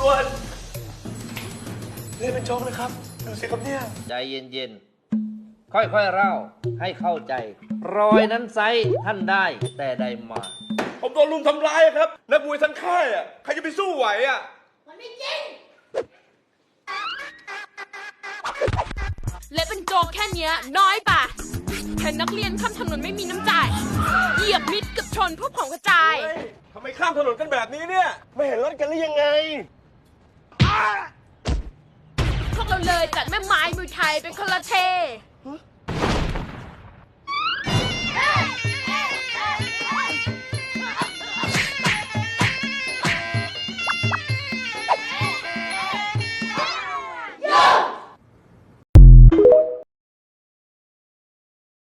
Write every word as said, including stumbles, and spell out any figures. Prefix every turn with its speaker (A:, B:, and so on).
A: วจนี่เป็นโจ๊กนะครับดูสิครับเนี่ย
B: ใจเย็นๆค่อยๆเล่าให้เข้าใจ รอยนั้นไซท่านได้แต่ใดมา
A: ผมโดนลุมทำร้ายครับนักมวยทั้งค่ายอ่ะใครจะไปสู้ไหวอ่ะ
C: มันไม่จริงเละเป็นโจกแค่เนี้ยน้อยป่ะแค่นักเรียนข้ามถนนไม่มีน้ำใจเหยียบมิดกับชนพวกของกระจาย
A: ทำไมข้ามถนนกันแบบนี้เนี่ยไม่เห็นรถกันหรือยังไง
C: พวกเราเลยจัดแม่ไม้มวยไทยเป็นคนละเท